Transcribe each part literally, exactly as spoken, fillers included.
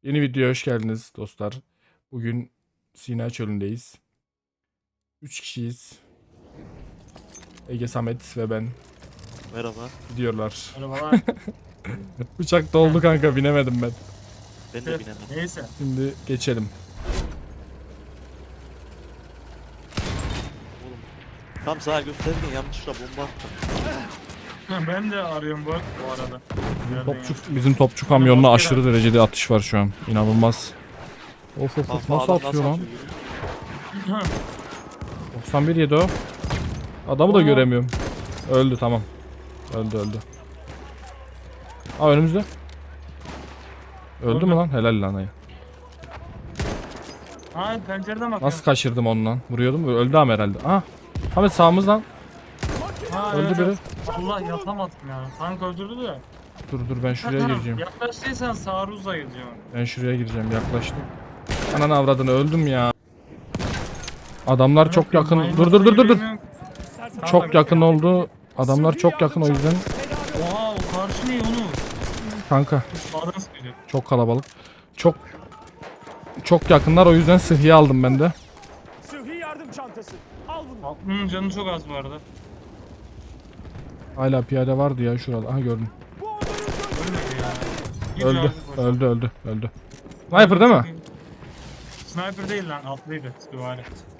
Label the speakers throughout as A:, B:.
A: Yeni videoya hoş geldiniz dostlar. Bugün Sina Çölü'ndeyiz. Üç kişiyiz. Ege, Samet ve ben.
B: Merhaba.
A: Gidiyorlar.
C: Arabalar.
A: Uçak doldu kanka, binemedim ben.
B: Ben de binemem.
C: Neyse.
A: Şimdi geçelim.
B: Oğlum. Tam sağa gösterken yanlışlıkla bomba attım.
C: Ben de arıyorum bu, bu arada. Nereden
A: Topçu,
C: ya?
A: bizim topçu kamyonuna aşırı derecede atış var şu an. İnanılmaz. Of of of,
B: Kafa
A: nasıl
B: adam
A: atıyor lan?
B: atıyor?
A: doksan bir yedi o. Adamı da
C: Aa.
A: göremiyorum. Öldü, tamam. Öldü öldü. Aa, önümüzde. Öldü
C: Öldü.
A: mü lan? Helal lan ayı.
C: Ha, pencereden bakıyorum.
A: Nasıl kaçırdım onu lan? Vuruyordum. Öldü ama herhalde. Aha. Ahmet sağımızdan.
C: Ha,
A: Öldü
C: evet,
A: biri.
C: evet. Allah yapamadım ya. Tank öldürdü de.
A: Dur dur, ben şuraya
C: Ha,
A: gireceğim.
C: Yaklaştıysan Saruz'a gideceğim.
A: Ben şuraya gireceğim, yaklaştım. Ananı avradını, öldüm ya. Adamlar çok yakın. Dur dur dur dur dur. Çok yakın oldu. Adamlar çok yakın, o yüzden.
C: Oha, o karşı ne onu?
A: Kanka
C: Sağdan sıkıyor.
A: çok kalabalık. Çok çok yakınlar, o yüzden sıhhiye aldım ben de.
D: Sıhhi yardım çantası. Al bunu.
C: Aklının canı çok az bu arada.
A: Hala piyade vardı ya şurada. Aha, gördüm.
D: Bu onların gözü.
C: Ölmedi ya. Git
A: Öldü.
C: abi, boş.
A: Öldü öldü öldü. Sniper değil mi?
C: Sniper değil lan, atlıydı. Süvari.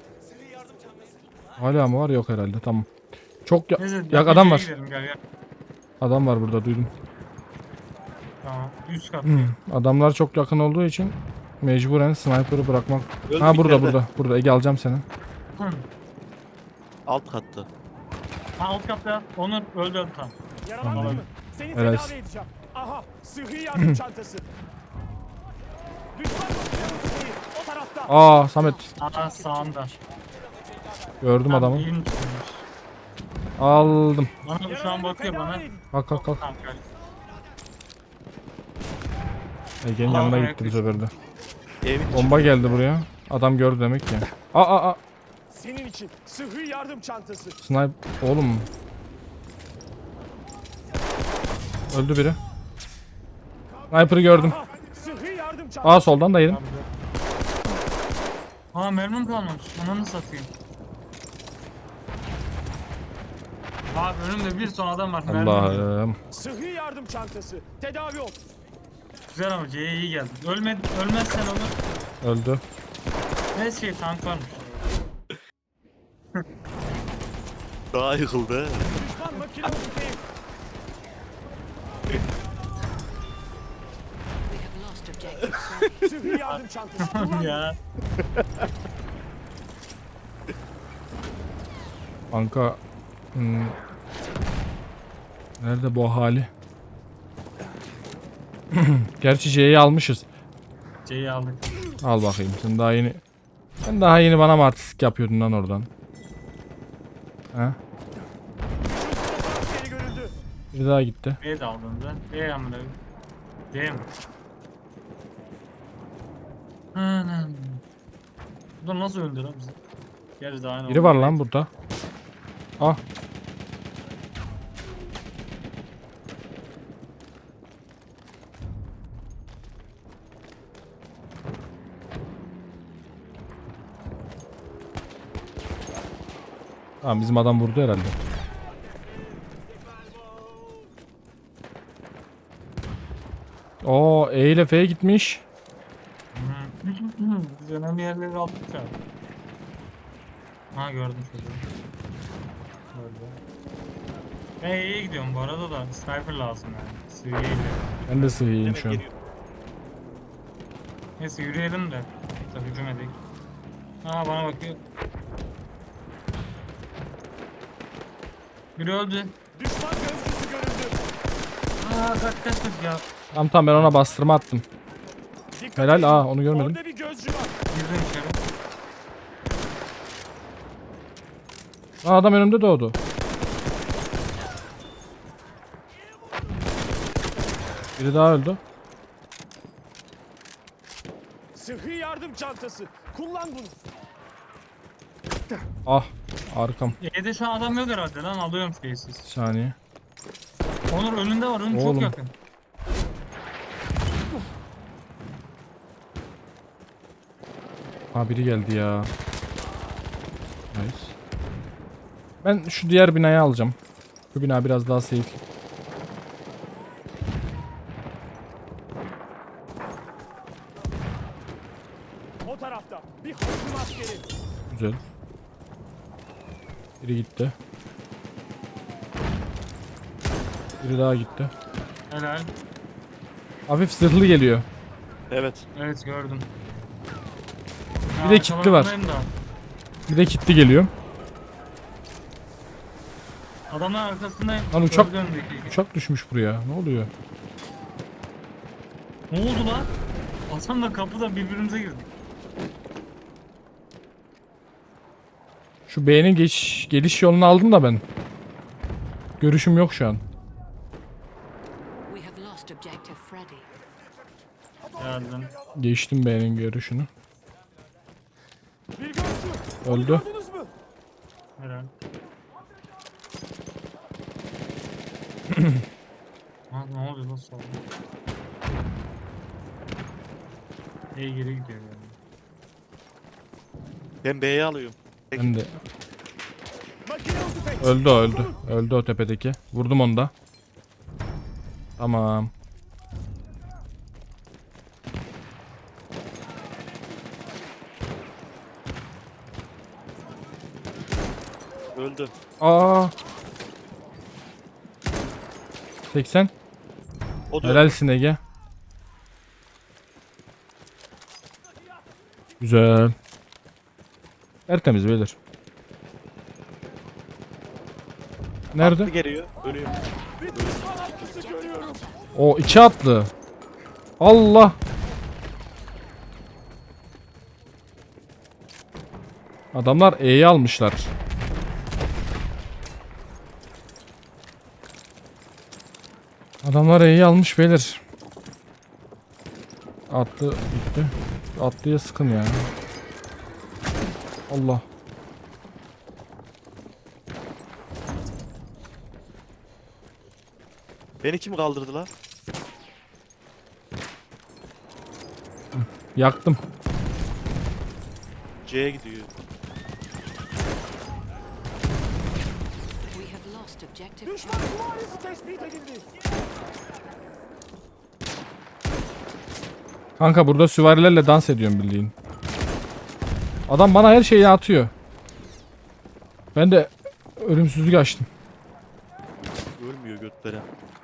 A: Hala mı var? Yok herhalde. Tamam. Çok ya,
C: Neyse,
A: ya adam var.
C: gidelim, gel gel.
A: Adam var burada, duydum.
C: Tamam. Üst kat.
A: Hmm. Adamlar çok yakın olduğu için mecburen sniper'ı bırakmak.
B: Öldü
A: Ha,
B: bir
A: burada
B: yerde.
A: burada. Burada Ege, alacağım seni.
C: Hı.
B: Alt katta.
C: Ha, alt katta. Onur öldü öldü tam.
D: Yaralandın
C: Tamam.
D: mı? Seni
A: Evet.
D: tedavi edeceğim. Aha. Sıhhi yardım çantası. Düşman bakıyor değil. O tarafta.
A: Aa, Samet.
C: Aa, sağında.
A: Gördüm
C: Tam
A: adamı.
C: iyiymiş.
A: Aldım.
C: Bana bu şu an bakıyor
D: Tedavi
C: bana.
D: edin.
A: Kalk kalk kalk.
C: Tamam, gel.
A: Ege'nin
C: Aa,
A: yanına
C: ayak
A: gitti bu sefer de.
B: Evin içi.
A: Bomba geldi buraya. Adam gördü demek ki. Aa aa aa.
D: Senin için. Sıhhi yardım çantası.
A: Snipe. Oğlum. Öldü biri. Sniper'ı gördüm.
D: Aha. Sıhhi yardım çantası.
A: Aa, soldan da yedim.
C: Aa, mermim kalmamış. Ananı satayım. Abi önümde bir ton adam var. mermim yok.
A: Allah'ım.
D: Sıhhi yardım çantası. Tedavi ol.
C: Güzel ama C'ye iyi geldi. Ölme, ölmezsen olur.
A: Öldü.
C: Ne şey, tank varmış.
B: Daha yıkıldı. he.
D: Düşman makine okuyayım.
E: We have lost objective.
D: Sıhhi yardım çantası. Kullan.
C: Ya.
A: Kanka. Hmm. Nerede bu hali? Gerçi C'yi almışız.
C: C'yi aldık.
A: Al bakayım, sen daha yeni. Sen daha yeni bana mı artistik yapıyordun lan oradan? Ha?
D: Geri görüldü.
A: Bir daha gitti.
C: B de aldım da. B amına. D mi? Anam. Bu da nasıl öldü lan bizi? Gerçi daha ne
A: Biri var lan burada. Ah. Tamam, bizim adam vurdu herhalde. Oo, E ile F'ye gitmiş.
C: Hı. Biz önemli yerleri aldık ya. Ha, gördüm çocuğu. Gördüm. Ben E'ye gidiyorum bu arada da sniper lazım yani. Seviyeyle.
A: Ben de sığıyım
B: Hemen
A: şu an.
B: geliyor.
C: Neyse yürüyelim de. Tabii hücum edelim. Aa, bana bakıyor. Biri öldü.
D: Düşman gözcüsü görüldü.
C: Aa, kaç kaç kaç ya.
A: Tamam tamam, ben ona bastırma attım.
D: Dikkat
A: Helal,
D: edin.
A: aa, onu görmedim.
D: Orada bir gözcü var.
C: Girdim içeri.
A: Aa, adam önümde doğdu. Biri daha öldü.
D: Sıhhi yardım çantası. Kullan bunu.
A: Ah, arkam.
C: E'de şu an adam yok herhalde lan, alıyorum
A: Bir
C: şeysiz.
A: saniye.
C: Onur önünde var, önün
A: Oğlum.
C: çok yakın.
A: Ha biri geldi ya. Nice. Ben şu diğer binayı alacağım. Şu bina biraz daha safe.
D: O tarafta bir hücum askeri.
A: Güzel. Biri gitti. Biri daha gitti.
C: Helal.
A: Hafif zırhlı geliyor.
B: Evet.
C: Evet gördüm.
A: Bir de kitli var.
C: arkalarındayım da.
A: Bir de kitli geliyor.
C: Adamlar arkasındayım.
A: Lan uçak-
C: Gördüm öndeki.
A: Uçak düşmüş buraya. Ne oluyor?
C: Ne oldu lan? Hasan'la kapıda birbirimize girdik.
A: Şu B'nin geç, geliş yolunu aldım da ben. Görüşüm yok şu an.
E: We have lost objective Freddy.
C: Geldim.
A: Geçtim B'nin görüşünü.
D: Bir gördüm.
A: Öldü.
D: Gördünüz mü?
C: Helal. Ha, ne oluyor lan sonra? İyi geri gidiyor yani.
B: Ben B'yi alıyorum.
A: Ben de.
D: Makinalı tüfek.
A: Öldü o öldü. Öldü o tepedeki. Vurdum onu da. Tamam.
B: Öldü.
A: Aa. seksen.
B: O da
A: Helalsin Ege. Güzel. Tertemiz beyler. Nerede?
B: Atlı geliyor. Ölüyor.
D: Bir düşman atlısı görüyorum.
A: O içi atlı. Allah. Adamlar E'yi almışlar. Adamlar E'yi almış beyler. Atlı gitti. Atlıya sıkın ya. Allah.
B: Beni kim kaldırdı lan?
A: Yaktım.
B: C'ye gidiyor.
E: We have lost objective
D: Düşman
E: Charlie.
D: süvarisi tespit edildi.
A: Kanka burada süvarilerle dans ediyorum bildiğin. Adam bana her şeyi atıyor. Ben de ölümsüzlük açtım.
B: Ölmüyor götlere.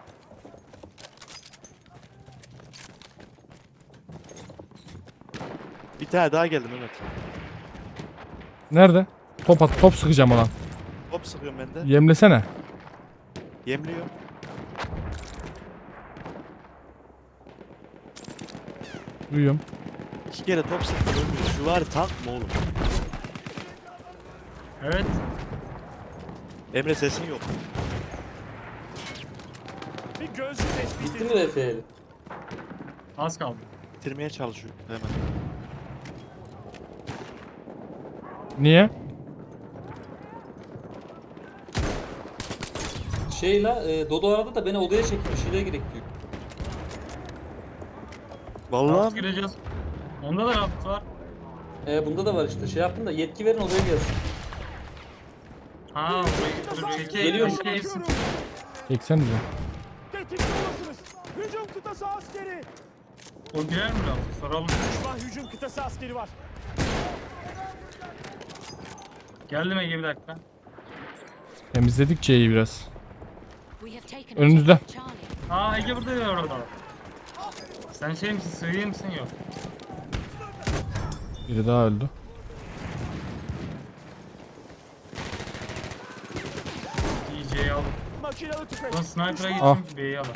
B: Bir tane daha geldi Mehmet.
A: Nerede? Top at, top sıkacağım ona.
B: Hop sıkıyorum ben de.
A: Yemlesene.
B: Yemliyor.
A: Duyuyorum.
B: İki kere top sıktım ölmüyor. Şu var tank mı oğlum?
C: Evet.
B: Emre sesin yok.
D: Bir gözcü tespit
F: Bitti
D: edildi.
F: mi R P L?
C: Az kaldı.
B: Bitirmeye çalışıyor hemen.
A: Niye?
F: Şey la, e, Dodo aradı da beni odaya çekti. Bir şeyler gerek diyor.
B: Vallahi
C: Raft
B: mi?
C: gireceğiz. Onda da raft var.
F: E, bunda da var işte. Şey yaptım da yetki verin odaya gelsin.
C: Ha, burayı dur çekeyim.
F: Geliyorum.
C: Çekeyim.
A: Çeksenize.
D: Tetikte olasınız. Hücum kıtası askeri.
C: O girer mi raft? Soralım.
D: Düşman hücum kıtası askeri var.
C: Geldim Ege bir dakika.
A: Temizledik C'yi biraz.
E: We have taken
A: Önünüzde.
E: objective Charlie.
C: Aa Ege burada ya orada. Sen şey misin? Sığıyı mısın? Yok.
A: Biri daha öldü.
C: D J'yi al.
D: Makinalı tüfek.
C: Ulan sniper'a
A: Ah.
C: gittim. B'yi al.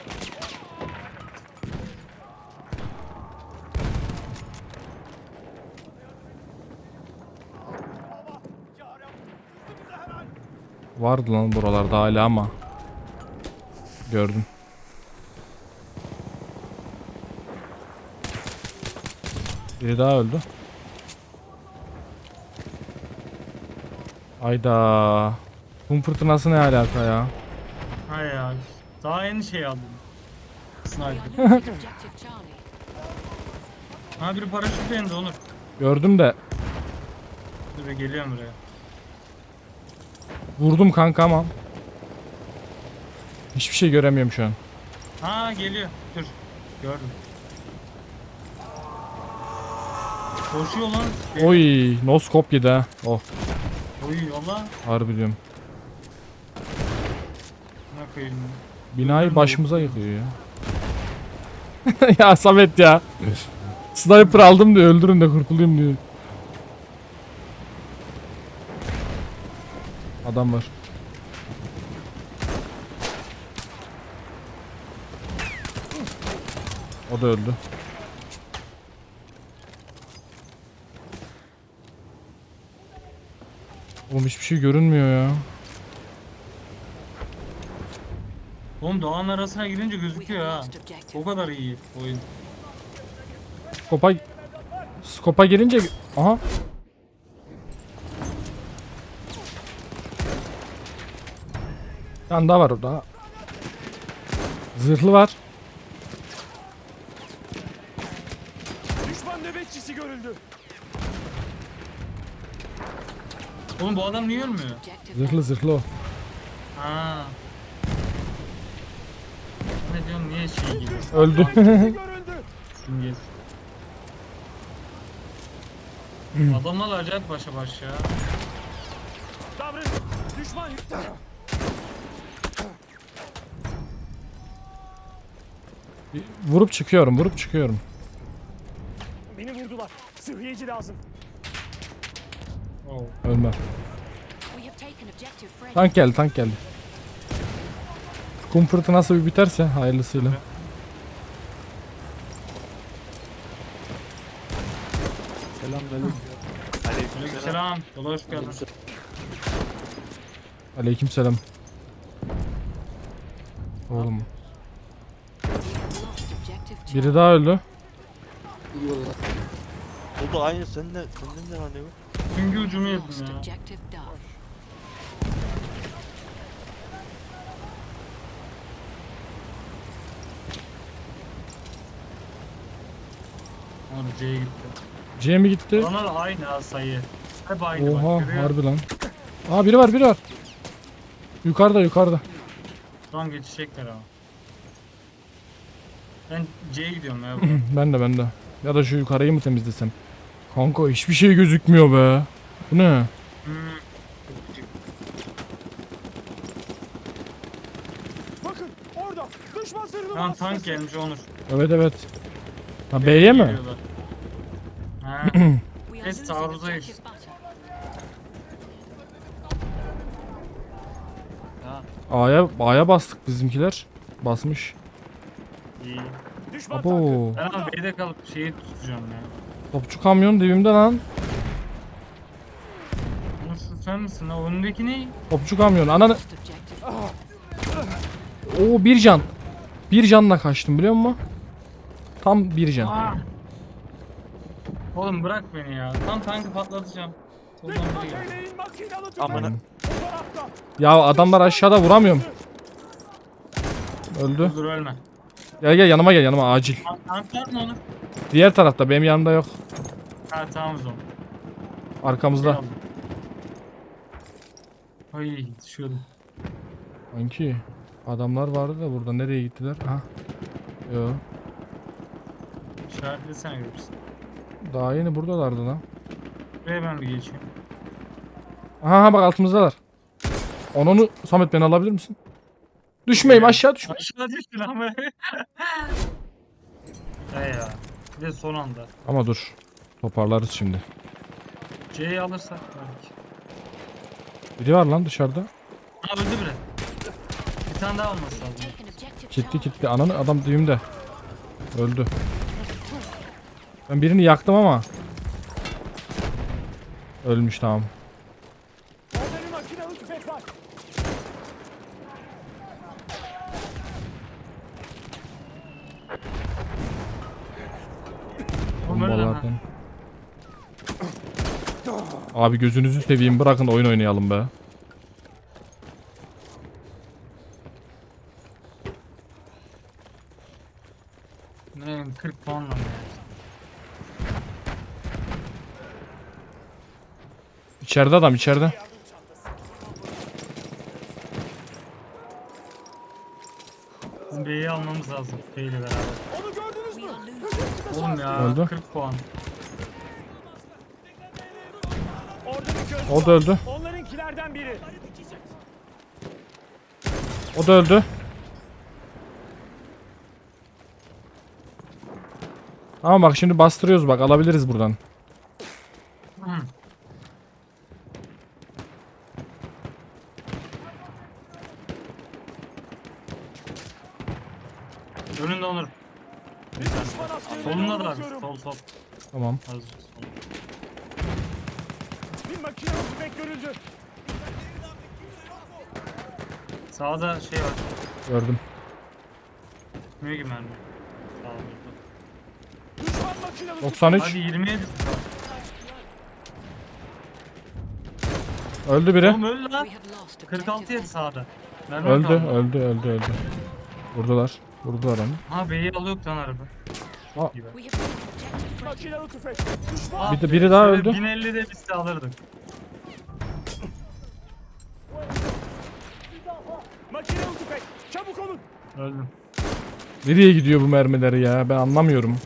A: Vardı lan buralarda hala ama. Gördüm. Biri daha öldü. Ayda. Kum fırtınası ne alaka ya?
C: Ha ya. Daha yeni şey aldım.
E: We are
C: Sniper.
E: losing objective Charlie.
C: Ha biri paraşütle indi Onur.
A: Gördüm de
C: Dur geliyorum buraya.
A: Vurdum kanka ama. Hiçbir şey göremiyorum şu an.
C: Ha geliyor. Dur. Gördüm. Koşuyor lan.
A: Oy, no scope yedi ha. Oh,
C: Oy yolla.
A: harbi diyorum.
C: Ne koyayım?
A: Binayı başımıza yıkıyor ya. Ya Samet ya. Sniper aldım diyor, öldürün de kurtulayım diyor. Adam var. O da öldü. Oğlum hiçbir şey görünmüyor ya.
C: Oğlum dağın arasına girince
E: We have
C: gözüküyor ha.
E: lost objective.
C: O kadar iyi oyun.
A: Skopa Skopa girince aha. Bir tane daha var orada. Zırhlı var.
D: Düşman nöbetçisi görüldü.
C: Oğlum bu adam niye ölmüyor?
E: Objective
A: Zırhlı zırhlı o.
C: Ha. Ne diyorsun niye şey gibi?
A: Öldü.
D: Görüldü.
C: Simgesi. Adamlar acayip başa baş ya.
D: Davran. Düşman yıktı.
A: Vurup çıkıyorum, vurup çıkıyorum.
D: Beni vurdular. Sıhhiyeci lazım.
C: Oh.
A: Ölme.
E: We have taken objective Freddy.
A: Tank geldi, tank geldi. Kum fırtınası bir biterse hayırlısıyla.
B: Selamünaleyküm. Aleykümselam.
C: Selam. Yola hoş geldin.
A: Aleykümselam. Oğlum.
E: We have lost objective
A: Biri
E: Charlie.
A: daha öldü.
B: O da aynı senden senden de randevu.
C: Süngü ucumu yedim
E: Lost
C: ya.
E: objective Duff.
C: Oğlum C'ye gitti.
A: C mi gitti?
C: Onlar da aynı ha sayı. Hep aynı bak.
A: Oha,
C: görüyor musun?
A: harbi lan. Aa biri var, biri var. Yukarıda, yukarıda.
C: Şu an geçecekler ama. Ben C'ye gidiyorum ya.
A: Ben de, ben de. Ya da şu yukarıyı mı temizlesem? Kanka hiçbir şey gözükmüyor be. Bu ne?
C: Hmm.
D: Bakın orada. Düşman zırhlı
C: Lan
D: vasıtası.
C: tank gelmiş Onur.
A: Evet evet. Ha B'ye mi?
C: Geliyorlar. Ha.
E: We are
C: Biz
E: losing
C: taarruzdayız.
E: objective Butter.
A: A'ya A'ya bastık bizimkiler. Basmış.
C: İyi.
D: Düşman tankı.
A: Abo.
C: Ben ama B'de kalıp şeyi tutacağım ya.
A: Topçu kamyon dibimde lan.
C: Onur şu sen misin lan? Önündeki ne?
A: Topçu kamyon. Ananı.
E: Lost objective.
A: Oo bir can. Bir canla kaçtım biliyor musun? Tam bir can.
C: Aa! Oğlum bırak beni ya. Tam tankı patlatacağım. Soldan biri geliyor.
D: Ateşleyin makinalı tüfek.
B: Amına.
D: O tarafta.
A: Ya adamlar aşağıda vuramıyorum. Öldü.
C: Dur ölme.
A: Gel gel yanıma gel yanıma acil.
C: Tank, tank var mı Onur?
A: Diğer tarafta benim yanımda yok.
C: Ha tamam o zaman.
A: Arkamızda.
C: Eyvallah. Ay düşüyordum.
A: Sanki adamlar vardı da burada nereye gittiler? Aha. Yo.
C: İşaretlesene görürsün.
A: Daha yeni buradalardı lan.
C: Buraya ben bir geçeyim.
A: Aha aha, bak altımızdalar. Onu onu Samet beni alabilir misin? Düşmeyeyim aşağı düşme.
C: Aşağı düştü lan be. He ya. Bir de son anda.
A: Ama dur. Toparlarız şimdi.
C: C'yi alırsak belki.
A: Biri var lan dışarıda.
C: Ha öldü bile. Bir tane daha olması lazım.
E: Taken objective
A: Kitli
E: Charlie.
A: kitli. Ananı adam düğümde. Öldü. Ben birini yaktım ama. Ölmüş tamam.
D: Orada bir makinalı tüfek var.
C: Oğlum öyle lan ha.
A: Bombalardan. Abi gözünüzü seveyim bırakın oyun oynayalım be.
C: Ne bileyim, kırk puanla mı?
A: İçeride adam içeride.
C: Bizim B'yi almamız lazım. B ile beraber.
D: Onu gördünüz mü?
E: We are losing.
D: Hücum
C: Oğlum ya
A: Öldü.
C: kırk puan.
D: Orada bir göz
A: O da
D: var.
A: öldü.
D: Onlarınkilerden biri.
A: O da öldü. Ama bak şimdi bastırıyoruz bak alabiliriz buradan.
C: Hı. Önünde Onur. Bir tane.
D: Düşman askerine
C: Solunda da
D: doğru
C: abi.
D: bakıyorum.
C: Sol sol.
A: Tamam.
C: Az sol.
D: Bir makinalı tüfek görüldü.
C: Sağda şey var.
A: Gördüm.
C: Mühür gibi mermi. Sağ ol.
D: Düşman makinalı
A: doksan üç.
C: Hadi yirmiye düştü.
A: Öldü biri.
C: Oğlum öldü lan.
E: We have lost
C: kırk altı
E: objective
C: yedi
E: Fred.
C: sağda. Mermi
A: Öldü,
C: kaldı.
A: öldü, öldü, öldü. Vurdular. Vurdular onu.
C: Ha B'yi alıyor lan araba.
A: Aa.
C: Gibi.
E: We have taken objective Fred.
D: makinalı tüfek. Düşman
C: Ah
A: Bir de
C: be,
A: biri daha
C: şöyle
A: öldü.
C: bin elli de biz de alırdık.
D: makinalı tüfek. Çabuk olun.
C: Öldüm.
A: Nereye gidiyor bu mermileri ya? Ben anlamıyorum.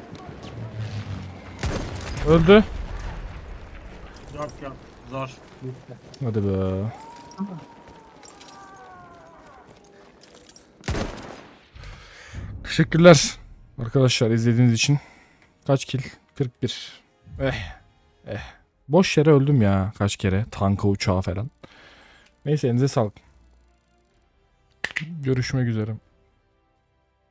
A: Öldü.
C: Yok yok. Zor. Bitti.
A: Hadi be. Teşekkürler arkadaşlar izlediğiniz için. Kaç kill? kırk bir. Eh. Eh. Boş yere öldüm ya kaç kere. Tanka uçağa falan. Neyse elinize sağlık. Görüşmek üzere.